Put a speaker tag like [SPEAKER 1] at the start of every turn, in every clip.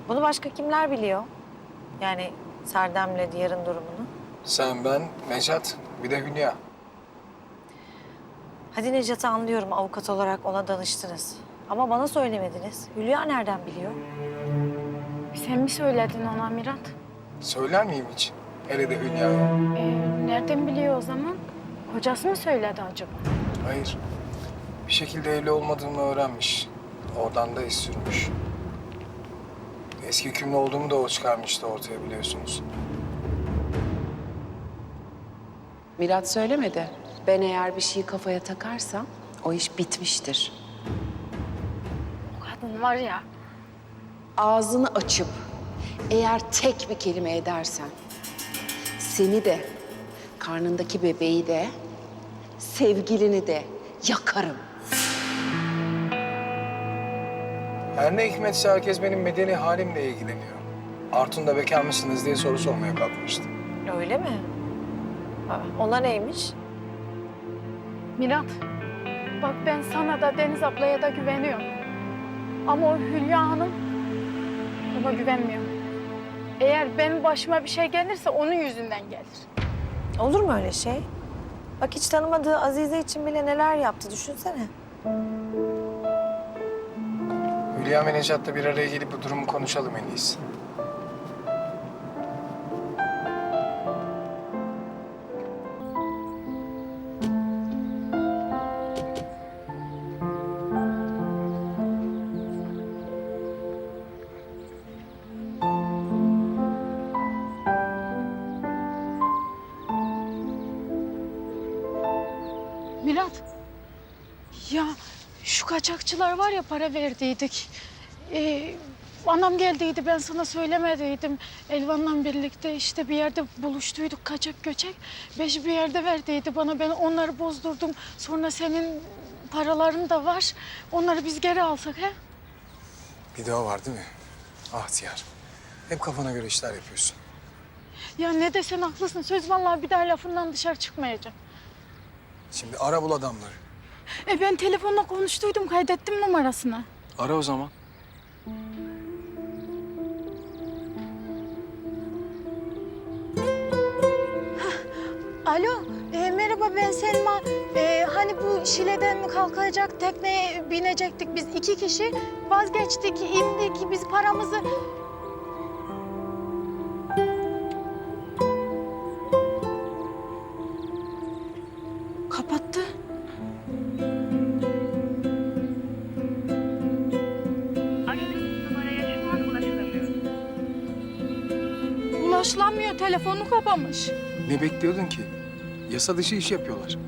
[SPEAKER 1] Bunu başka kimler biliyor? Yani Serdem'le Diyar'ın durumunu.
[SPEAKER 2] Sen, ben, Necat, bir de Hülya.
[SPEAKER 1] Hadi Necat'ı anlıyorum, avukat olarak ona danıştınız. Ama bana söylemediniz. Hülya nereden biliyor?
[SPEAKER 3] Sen mi söyledin ona Mirat?
[SPEAKER 2] Söyler miyim hiç? Hele de Hülya'ya.
[SPEAKER 3] Nereden biliyor o zaman? Kocası mı söyledi acaba?
[SPEAKER 2] Hayır. Bir şekilde evli olmadığımı öğrenmiş. Oradan da iz sürmüş. Eski hükümlü olduğumu da o çıkarmıştı ortaya, biliyorsunuz.
[SPEAKER 4] Mirat söylemedi. Ben eğer bir şeyi kafaya takarsam o iş bitmiştir.
[SPEAKER 3] O kadın var ya.
[SPEAKER 4] Ağzını açıp eğer tek bir kelime edersen seni de, karnındaki bebeği de, sevgilini de yakarım.
[SPEAKER 2] Her ne hikmetse herkes benim medeni halimle ilgileniyor. Artun da bekar mısınız diye soru sormaya kalkmıştı.
[SPEAKER 1] Öyle mi? Ona neymiş?
[SPEAKER 3] Mirat, bak ben sana da Deniz ablaya da güveniyorum. Ama o Hülya Hanım, ona güvenmiyorum. Eğer benim başıma bir şey gelirse onun yüzünden gelir.
[SPEAKER 1] Olur mu öyle şey? Bak hiç tanımadığı Azize için bile neler yaptı, düşünsene.
[SPEAKER 2] Hülya ve Necat'la bir araya gelip bu durumu konuşalım en iyisi.
[SPEAKER 3] Mirat, ya şu kaçakçılar var ya para verdiydik. Anam geldiydi, ben sana söylemediydim. Elvan'la birlikte işte bir yerde buluştuyduk kaçak göçek. Beş bir yerde verdiydi bana, ben onları bozdurdum. Sonra senin paraların da var. Onları biz geri alsak he?
[SPEAKER 2] Bir de o var değil mi? Ah Diyar. Hep kafana göre işler yapıyorsun.
[SPEAKER 3] Ya ne desen haklısın. Söz vallahi bir daha lafından dışarı çıkmayacağım.
[SPEAKER 2] Şimdi ara bul adamları.
[SPEAKER 3] Ben telefonla konuştuydum, kaydettim numarasını.
[SPEAKER 2] Ara o zaman.
[SPEAKER 3] Alo, merhaba ben Selma. Hani bu Şile'den mi kalkacak tekneye binecektik biz 2 kişi. Vazgeçtik, indik, biz paramızı... Kapattı.
[SPEAKER 5] Aradığınız numaraya şu an ulaşılamıyor.
[SPEAKER 3] Ulaşılamıyor, telefonu kapamış.
[SPEAKER 2] Ne bekliyordun ki? Yasa dışı iş yapıyorlar.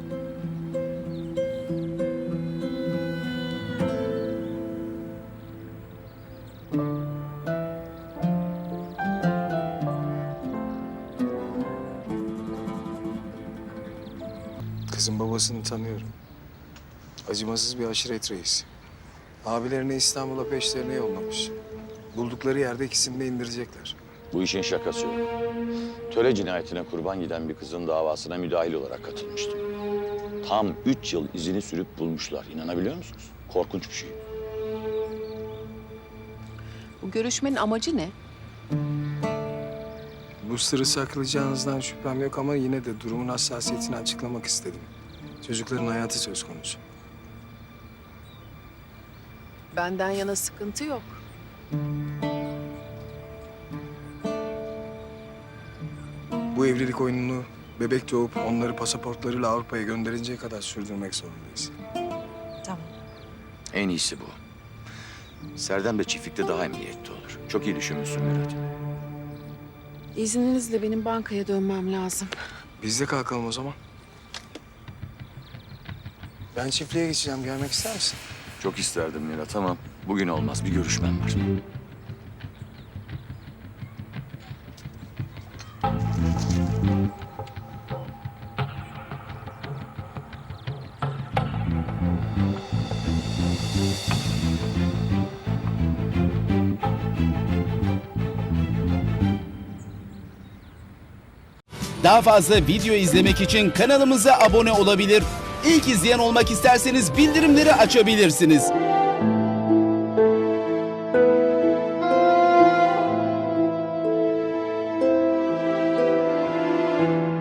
[SPEAKER 2] Kızın babasını tanıyorum. Acımasız bir aşiret reisi. Abilerini İstanbul'a peşlerine yollamış. Buldukları yerde ikisini de indirecekler.
[SPEAKER 6] Bu işin şakası yok. Töre cinayetine kurban giden bir kızın davasına müdahil olarak katılmıştım. Tam 3 yıl izini sürüp bulmuşlar. İnanabiliyor musunuz? Korkunç bir şey.
[SPEAKER 4] Bu görüşmenin amacı ne?
[SPEAKER 2] Bu sırrı saklayacağınızdan şüphem yok ama yine de durumun hassasiyetini açıklamak istedim. Çocukların hayatı söz konusu.
[SPEAKER 4] Benden yana sıkıntı yok.
[SPEAKER 2] Bu evlilik oyununu bebek doğup onları pasaportlarıyla Avrupa'ya gönderinceye kadar sürdürmek zorundayız.
[SPEAKER 1] Tamam.
[SPEAKER 6] En iyisi bu. Serdem de çiftlikte daha emniyetli olur. Çok iyi düşünmüşsün Mirat.
[SPEAKER 4] İzninizle benim bankaya dönmem lazım.
[SPEAKER 2] Biz de kalkalım o zaman. Ben çiftliğe geçeceğim. Gelmek ister misin?
[SPEAKER 6] Çok isterdim Mirat ama bugün olmaz. Bir görüşmem var.
[SPEAKER 7] Daha fazla video izlemek için kanalımıza abone olabilir. İlk izleyen olmak isterseniz bildirimleri açabilirsiniz.
[SPEAKER 4] Müzik